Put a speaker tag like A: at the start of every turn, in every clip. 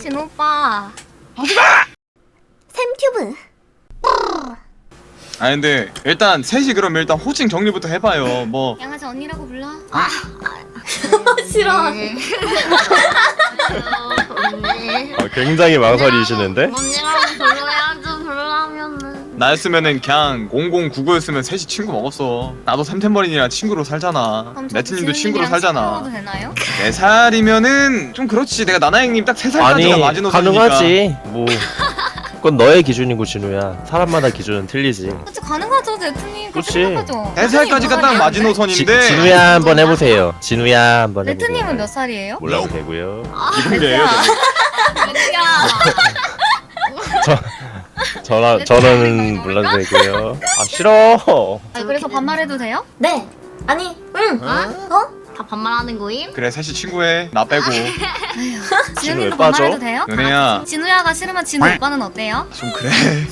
A: 진우 오빠.
B: 샘튜브.
C: 아 근데 일단 셋이 그럼 일단 호칭 정리부터 해봐요. 뭐
A: 양아지 언니라고 불러.
B: 싫어.
D: 굉장히 망설이시는데?
B: 언니라고 불러야죠. 불러면은.
C: 나였으면은 그냥 0099였으면 셋이 친구 먹었어. 나도 샘템버린이랑 친구로 살잖아.
A: 그럼 저
C: 레트님도 친구로
A: 진우님이랑
C: 살잖아.
A: 친구 먹어도 되나요?
C: 4살이면은 좀 그렇지. 내가 나나형님 딱 3살까지가
D: 아니
C: 마지노선이니까.
D: 가능하지. 뭐 그건 너의 기준이고 진우야. 사람마다 기준은 틀리지.
A: 그치 가능하죠 레트님. 그렇게
D: 그치.
A: 생각하죠.
C: 4살까지가 딱
A: 레트님
C: 마지노선인데
D: 진우야 한번 해보세요. 진우야 한번 해보세요.
A: 레트님은 몇 살이에요?
D: 몰라도 되고요.
C: 기본계예요.
D: 저는 몰라도 되고요. 아 싫어.
A: 아, 그래서 반말해도 돼요?
B: 네. 아니, 응. 어?
E: 다 반말하는 거임?
C: 그래 셋이 친구해. 나 빼고.
A: 진우님도
D: 왜 빠져?
A: 반말해도 돼요?
C: 은혜야
A: 진우야가 싫으면 진우 오빠는 어때요?
C: 좀 그래.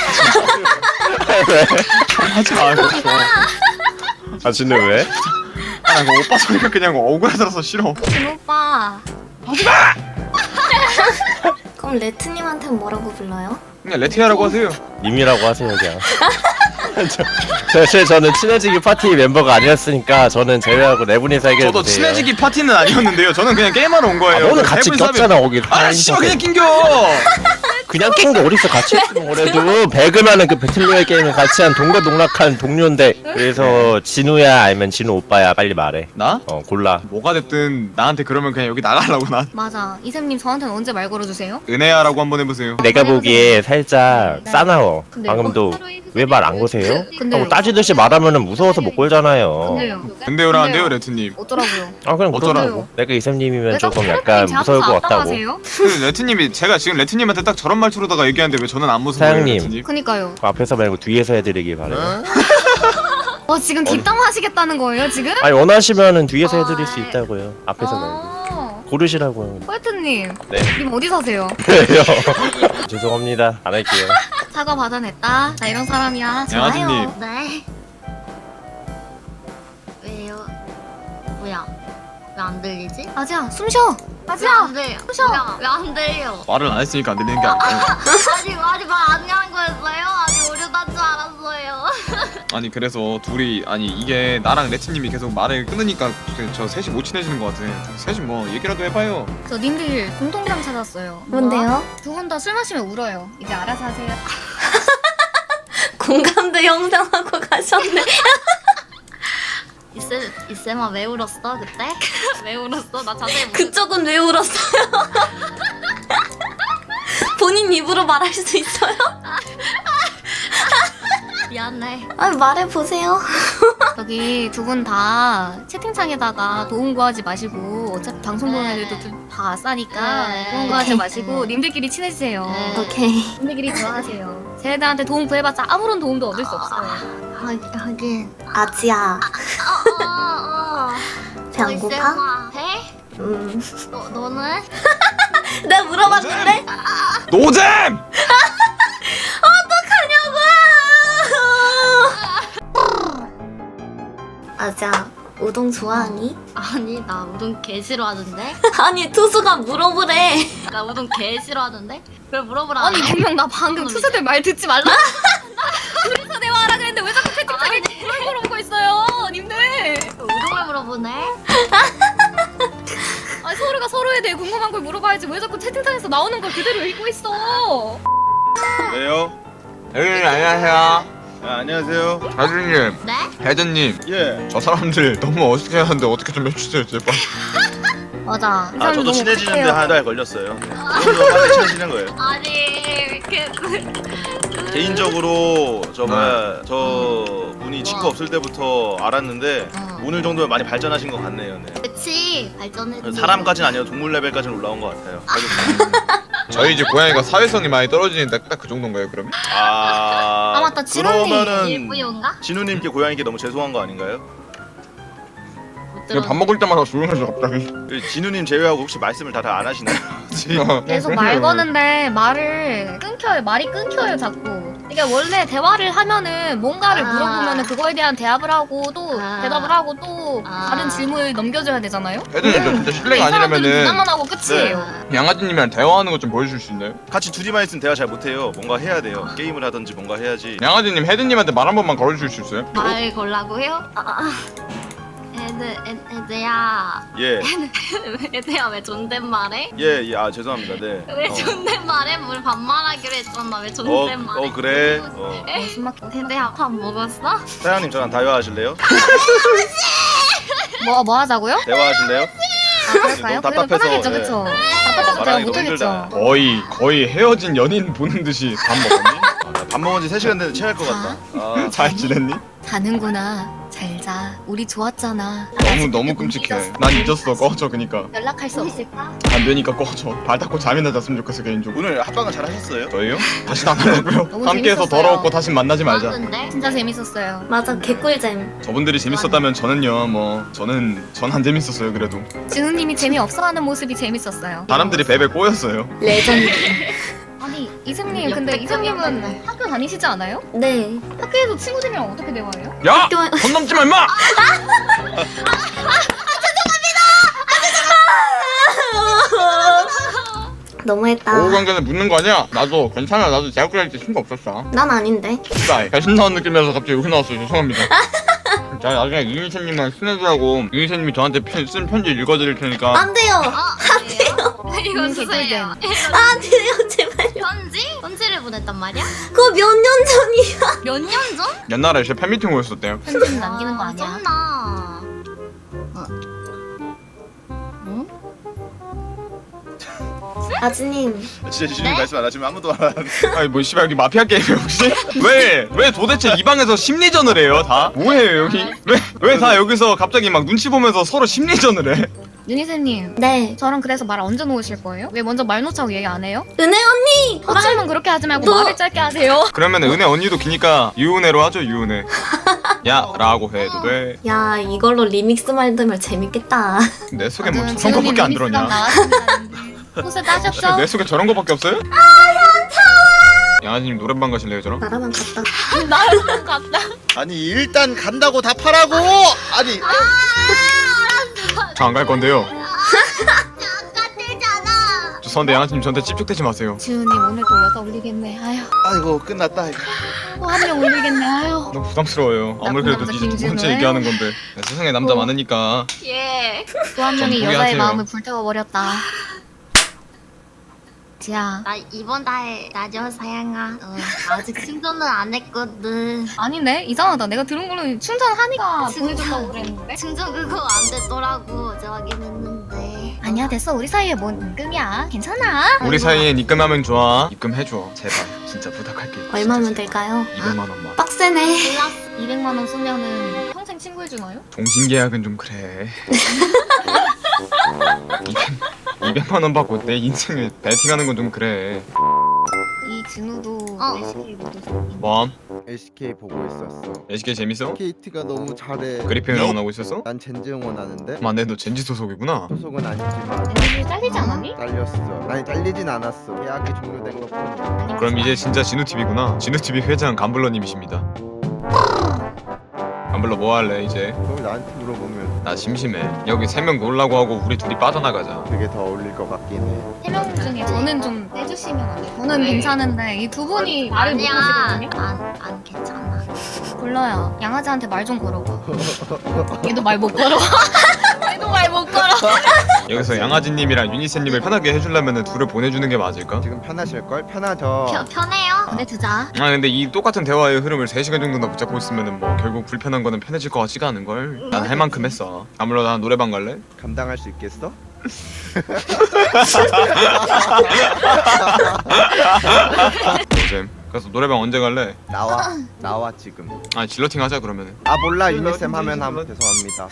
C: 하지 마. 그거.
D: 아 진우 왜?
C: 아, 나 오빠 소리가 그냥 억울해서 싫어.
A: 진우 오빠.
B: 그럼 레트님한테는 뭐라고 불러요?
C: 그냥 레티아라고 하세요.
D: 님이라고 하세요 그냥. 저는 친해지기 파티 멤버가 아니었으니까 저는 제외하고 네 분이서 해결해
C: 저도
D: 주세요.
C: 친해지기 파티는 아니었는데요. 저는 그냥 게임하러 온
D: 아,
C: 거예요.
D: 너는 같이
C: 해본 사람이-
D: 꼈잖아 거기.
C: 아 씨발 그냥 낑겨.
D: 그냥 낀 게 어딨어. 같이 했으면 그래도 배그라는 그 배틀로얄 게임을 같이 한 동거동락한 동료인데. 그래서 진우야 아니면 진우 오빠야 빨리 말해.
C: 나?
D: 골라.
C: 뭐가 됐든 나한테 그러면 그냥 여기 나가려고 난.
A: 맞아. 이샘님 저한테는 언제 말 걸어주세요?
C: 은혜야라고 한번 해보세요.
D: 내가 보기에 살짝
A: 네.
D: 싸나워.
A: 근데요?
D: 방금도 왜 말 안 거세요?
A: 근데요?
D: 따지듯이 말하면은 무서워서 못 걸잖아요.
A: 근데요.
C: 근데요라 안 돼요
A: 근데요?
C: 레트님.
A: 어쩌라고요?
D: 아 그냥
C: 어쩌라고?
D: 어쩌라고. 내가 이샘님이면
A: 왜 자꾸
D: 조금
A: 레트님
D: 약간
A: 제
D: 무서울
A: 앞에서
D: 것 같다고.
A: 압박하세요?
C: 그 레트님이 제가 지금 레트님한테 딱 저런 말투로다가 얘기하는데 왜 저는 안 무서워요
D: 사장님.
C: 레트님?
A: 그니까요.
D: 그 앞에서 말고 뒤에서 해드리길 바래요.
A: 지금 뒷담 하시겠다는 거예요 지금?
D: 아니 원하시면은 뒤에서 해드릴 수 있다고요. 앞에서 말고. 고르시라고요.
A: 포에트님.
D: 네.
A: 님 어디 사세요?
D: 그래요. 죄송합니다. 안 할게요.
A: 사과 받아냈다. 나 이런 사람이야.
C: 양아지님.
A: 좋아요.
E: 네. 왜요? 뭐야? 왜 안 들리지?
A: 아지야 숨 쉬어.
E: 왜
A: 아지야.
E: 안 들려?
A: 푸셔.
E: 왜안 들려?
C: 말을 안 했으니까 안 들리는 게 아니에요.
E: 아직 말안 하는 거였어요? 아직 오류난 줄 알았어요.
C: 아니 그래서 둘이 아니 이게 나랑 레트님이 계속 말을 끊으니까 저 셋이 못 친해지는 것 같아. 셋이 뭐 얘기라도 해봐요.
A: 저 님들 공통점 찾았어요.
B: 뭔데요?
A: 두 분 다 술 마시면 울어요. 이제 알아서 하세요.
B: 공감대 형성하고 가셨네.
E: 이쌤아 왜 울었어 그때? 왜 울었어? 나 자세히 못
B: 그쪽은 왜 울었어요? 본인 입으로 말할 수 있어요?
E: 미안해.
B: 아 말해보세요.
A: 저기 두 분 다 채팅창에다가 도움 구하지 마시고 어차피 방송 보는 애들도 좀 다 아싸니까
E: 네.
A: 도움 구하지
B: 오케이.
A: 마시고 님들끼리 친해지세요.
E: 네.
B: 오케이.
A: 님들끼리 좋아하세요. 쟤네들한테 도움 구해봤자 아무런 도움도 얻을 수 없어요.
E: 하긴.
B: 아지야. 배 안 고파?
E: 이쌤아 배? 너는?
B: 내가 물어봤는데?
C: 노잼!
B: 아지야 우동 좋아하니?
E: 아니 나 우동 개 싫어하는데?
B: 아니 투수가 물어보래.
E: 나 우동 개 싫어하는데? 그걸 물어보라.
A: 아니 분명 나 방금 투수들 말 듣지 말라. 둘이서 대화하라 그랬는데 왜 자꾸 채팅창에 그걸 물어보고 있어요, 님들?
E: 우동을 물어보네?
A: 아니 서로가 서로에 대해 궁금한 걸 물어봐야지 왜 자꾸 채팅창에서 나오는 걸 그대로 읽고 있어?
F: 왜요?
C: 네 안녕하세요.
F: 안녕하세요.
C: 하준님,
E: 네?
C: 혜전님,
F: 예.
C: 저 사람들 너무 어색해 하는데 어떻게 좀 해주세요 제발.
A: 맞아.
F: 아 저도 친해지는데
A: 요
F: 한 달 걸렸어요. 이 정도 빨리 친해지는 거예요.
E: 아니 이렇게
F: 개인적으로 저 분이 친구 없을 때부터 알았는데 오늘 정도면 많이 발전하신 것 같네요. 네.
E: 그치 발전했지.
F: 사람까지는 아니고 동물 레벨까지는 올라온 것 같아요.
C: 저희 집 고양이가 사회성이 많이 떨어지는데 딱 그 정도인가요 그러면?
A: 아, 맞다. 진우님.
F: 그러면은
E: 일부용가?
F: 진우님께 고양이께 너무 죄송한 거 아닌가요?
E: 못
C: 그냥 밥 먹을 때마다 조용해져 갑자기.
F: 진우님 제외하고 혹시 말씀을 다 안 하시나요?
A: 계속 말 거는데 말이 끊겨요. 자꾸. 이게 원래 대화를 하면은 뭔가를
B: 아.
A: 물어보면은 그거에 대한 대답을 하고 또
B: 아.
A: 대답을 하고 또
B: 아.
A: 다른 질문을 넘겨줘야 되잖아요.
C: 혜준님 저 진짜 실례가
A: 이 사람들은
C: 아니라면은
A: 대답만 하고 끝이에요.
C: 양아지님이랑 대화하는 거 좀 보여줄 수 있나요?
F: 같이 둘이만 있으면 대화 잘 못해요. 뭔가 해야 돼요. 게임을 하든지 뭔가 해야지.
C: 양아지님 혜준님한테 말 한 번만 걸어줄 수 있어요?
E: 말 걸라고요? 애드야.
F: 예,
E: 애드야 왜 존댓말해?
F: 예, 예. 아 죄송합니다. 네.
E: 왜 존댓말해? 우리 반말하기로 했잖아. 왜 존댓말해?
F: 그래.
A: 숨 막혀.
E: 애드야 밥 먹었어?
F: 사장님 저랑 대화하실래요?
A: 뭐 하자고요?
F: 대화하실래요?
A: 아, 그럴까요?
F: 너무
A: 그래도
F: 답답해서,
A: 편하겠죠,
F: 예.
A: 그쵸? 답답해서 제가
F: 말하기 너무
A: 못하겠죠.
F: 힘들다.
C: 거의 헤어진 연인 보는 듯이 밥 먹었니?
F: 나 밥 먹은 지 3시간 됐는데 체할 것 같다. 아,
C: 잘 지냈니?
A: 자는구나. 잘 자. 우리 좋았잖아.
C: 너무 끔찍해. 난 잊었어. 꺼져 그니까.
A: 연락할 수 없을까?
C: 안 되니까 꺼져. 발 닦고 잠이나 잤으면 좋겠어 개인적으로.
F: 오늘 합방은 잘 하셨어요?
C: 저희요? 다시 안 하려고요.
A: 너무
C: 함께해서
A: 재밌었어요.
C: 더러웠고 다시 만나지 말자.
E: 근데
A: 진짜 재밌었어요.
B: 맞아 개꿀잼.
C: 저분들이 재밌었다면 저는요 뭐 전 안 재밌었어요 그래도.
A: 진우님이 재미없어하는 모습이 재밌었어요.
C: 사람들이 베베 꼬였어요.
B: 레전드.
A: 아니 이승님 근데 이승님은 학교 다니시지 않아요?
B: 네.
A: 학교에서 친구들이랑 어떻게 대화해요?
C: 야!
B: 학교-
C: 선 넘지 마 임마!
B: 너무했다.
C: 오후 관계는 묻는 거 아니야? 나도 괜찮아. 나도 대학교 다닐 때 친구 없었어.
B: 난 아닌데.
C: 진짜 배신 나온 느낌이라서 갑자기 욕이 나왔어요. 죄송합니다. 자 나중에 유니세님이랑 친해지라고 유니세님이 저한테 쓴 편지 읽어드릴 테니까
B: 안 돼요.
E: 안 돼요? 이거
A: 개꿀잼.
E: 주세요.
B: 안 돼요 제발요.
E: 편지? 편지를 보냈단 말이야?
B: 그거 몇 년 전이야.
E: 몇 년 전?
C: 옛날에 제 팬미팅 오셨었대요.
A: 편지는 남기는 거 아니야?
E: 쩐나.
B: 아지님.
F: 진짜 지준이 말씀 안 하시면 아무도 안 하는데.
C: 아니 뭐 씨발 여기 마피아 게임이에요 혹시? 왜 도대체 이 방에서 심리전을 해요 다? 뭐해요 여기? 왜 다 여기서 갑자기 막 눈치 보면서 서로 심리전을 해?
A: 유니세님
B: 네.
A: 저랑 그래서 말 언제 놓으실 거예요? 왜 먼저 말 놓자고 얘기 안 해요?
B: 은혜 언니.
A: 호칭은 그렇게 하지 말고
B: 너-
A: 말을 짧게 하세요.
C: 그러면 은혜 언니도 기니까 유은혜로 하죠 유은혜. 야 라고 해도 돼.
B: 야 이걸로 리믹스 만들면 재밌겠다.
C: 내 속에 뭐
A: 아무튼
C: 저런
A: 지훈님
C: 거밖에 안
A: 리믹스가
C: 들었냐?
A: 나왔습니다. 호세 따셨죠?
C: 내 속에 저런 거밖에 없어요? 양아지님 노래방 가실래요 저랑?
B: 나라만 갔다.
A: 나랑 같다.
F: 아니 일단 간다고 답하라고. 아니
C: 저 안 갈 건데요.
E: 똑같대잖아.
C: 죄송한데 양아지님 저한테 찝쩍대지 마세요.
A: 지훈님 오늘 또 여자 올리겠네. 아휴
F: 아이고 끝났다. 이거.
A: 또 한 명 올리겠네. 아휴
C: 너무 부담스러워요. 아무리 그래도
A: 남자
C: 이제 두 번째
A: 김진우의?
C: 얘기하는 건데 세상에 남자 많으니까
E: 예.
A: 또 한 명이
C: 좀
A: 여자의
C: 포기하세요.
A: 마음을 불태워버렸다. 지야
E: 나 이번 달에 나죠 사양아. 아직 충전은 안 했거든.
A: 아니네 이상하다. 내가 들은 걸로는 충전하니까
E: 진짜?
A: 보내준다고 그랬는데.
E: 충전 그거 안 됐더라고. 어제 확인했는데.
A: 아니야 됐어. 우리 사이에 뭔 임금이야. 괜찮아.
C: 우리 사이에 입금하면 좋아. 입금해줘 제발 진짜 부탁할게.
B: 얼마면 될까요?
C: 200만 원만.
B: 빡세네.
A: 200만 원 쓰면은 평생 친구해주나요?
C: 종신 계약은 좀 그래. 200만 원 받고 내 인생을 베팅하는 건 좀 그래.
A: 이 진우도
E: 어.
A: SK 모드
C: 뭐?
G: LCK 보고 있었어.
C: SK 재밌어?
G: KT가 너무 잘해.
C: 그리핀 응원하고 있었어?
G: 난 젠지 응원하는데
C: 맞네 너 젠지 소속이구나.
G: 소속은 아니지만
A: 쟤네들 잘리지 않았니?
G: 잘렸어. 아니 잘리진 않았어. 계약이 종료된 것뿐이야.
C: 그럼 이제 진짜 진우TV구나. 진우TV 회장 감블러님이십니다. 감블러 뭐 할래 이제?
G: 그걸 나한테 물어보면
C: 나 심심해. 여기 3명 놀라고 하고 우리 둘이 빠져나가자.
G: 그게 더 어울릴 것 같긴 해.
A: 3명 중에 저는 좀 빼주시면 안 돼요? 저는 괜찮은데 이 두 분이 말을
E: 아니야.
A: 못하시거든요?
E: 안 괜찮아.
A: 골라요. 양아지한테 말 좀 걸어봐. 얘도 말 못 걸어. 얘도 말 못 걸어.
C: 여기서 양아지님이랑 유니세님을 편하게 해주려면 둘을 보내주는 게 맞을까?
G: 지금 편하실 걸? 편하죠.
E: 편해요?
A: 보내주자.
C: 아 근데 이 똑같은 대화의 흐름을 3시간 정도나 붙잡고 있으면은 뭐 결국 불편한 거는 편해질 것 같지가 않은걸? 난 할 만큼 했어. 아무래도 난 노래방 갈래?
G: 감당할 수 있겠어?
C: 요즘 그래서 노래방 언제 갈래?
G: 나와 지금.
C: 아 질러팅 하자 그러면은.
G: 아 몰라 유니쌤 하면 함 죄송합니다.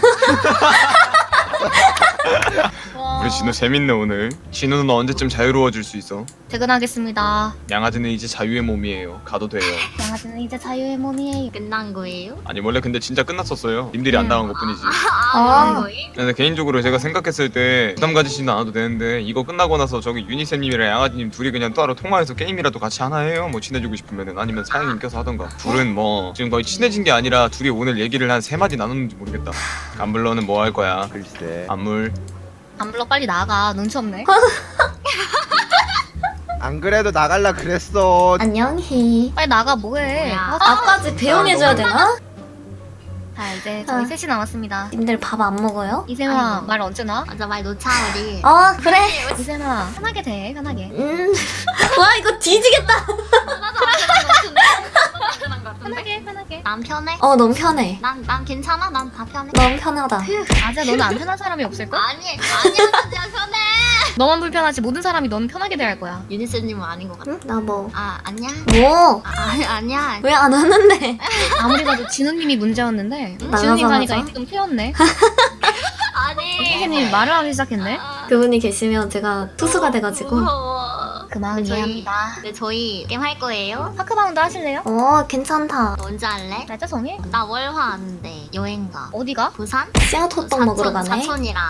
C: 우리 진우 재밌네 오늘. 진우는 언제쯤 자유로워질 수 있어?
A: 퇴근하겠습니다.
C: 양아지는 이제 자유의 몸이에요. 가도 돼요.
A: 양아지는 이제 자유의 몸이에요.
E: 끝난 거예요?
C: 아니 원래 근데 진짜 끝났었어요. 님들이 안 당한 것뿐이지.
E: 아, 거의?
C: 근데 개인적으로 제가 생각했을 때 부담 가지시는 않아도 되는데 이거 끝나고 나서 저기 유니쌤님이랑 양아지님 둘이 그냥 따로 통화해서 게임이라도 같이 하나 해요? 뭐 친해지고 싶으면은 아니면 사장님 껴서 하던가. 둘은 뭐 지금 거의 친해진 게 아니라 둘이 오늘 얘기를 한 3마디 나눴는지 모르겠다. 안블러는 뭐 할 거야?
G: 글쎄.
C: 안물.
A: 안 불러 빨리 나가. 눈치 없네.
G: 안 그래도 나갈라 그랬어.
B: 안녕히.
A: 빨리 나가 뭐해.
E: 뭐야.
B: 나까지 배웅해줘야 되나?
A: 자 이제 저희 셋이 남았습니다.
B: 님들 밥 안 먹어요?
A: 이세마
E: 아이고.
A: 말 언제 나?
E: 맞아, 말 놓자, 우리.
B: 그래.
A: 이세마 편하게 돼 편하게.
B: 와 이거 뒤지겠다.
A: 편하게.
E: 난 편해?
B: 넌 편해.
E: 난 괜찮아? 난 다 편해.
B: 넌 편하다.
A: 아자 너는 안 편한 사람이 없을걸?
E: 아니야, 진짜 편해.
A: 너만 불편하지 모든 사람이 너는 편하게 대할 거야.
E: 유니스님은 아닌 것 같아.
B: 응? 나 뭐.
E: 아니야.
B: 뭐?
E: 아니야.
B: 왜 안 하는데?
A: 아무리 봐도 진우님이 문제였는데
B: 나가서
A: 진우님 가니까
B: 하자.
A: 이제 좀 트였네.
E: 아니.
A: 선생님이 말을 하기 시작했네.
B: 그분이 계시면 제가 투수가 돼가지고.
E: 무서워.
A: 그 마음 이해합니다.
E: 네, 저희 게임 할 거예요?
A: 파크바운드 하실래요?
B: 괜찮다.
E: 언제 할래?
A: 날짜 정해?
E: 나 월화 왔는데 여행 가.
A: 어디가?
E: 부산?
B: 씨앗 호떡 먹으러 가네.
E: 사촌이랑.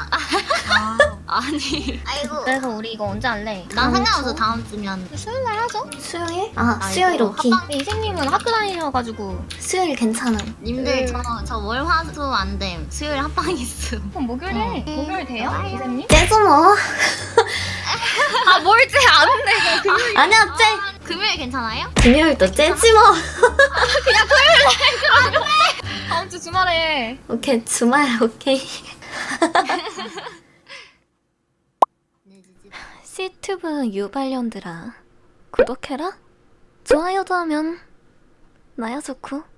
E: 아니. 아이고.
A: 그래서 우리 이거 언제 할래?
E: 난 상관없어, 다음 주면.
A: 수요일 날 하죠?
B: 수요일?
E: 아이고,
B: 수요일 오키.
E: 합방-
A: 근데 이생님은 학교 다니셔가지고
B: 수요일 괜찮아.
E: 님들 저 월화수 안 됨. 수요일 합방 있음.
A: 그럼 목요일 해. 목요일 돼요? 이생님?
B: 째죠 뭐.
A: 아 뭘지 안 돼. 그럼 금요일.
B: 아니야 째.
E: 금요일 괜찮아요?
B: 금요일도 째지 뭐.
A: 다음 주 주말에.
B: 오케이 주말 오케이. 시튜브 유발년들아 구독해라. 좋아요도 하면 나야 좋고.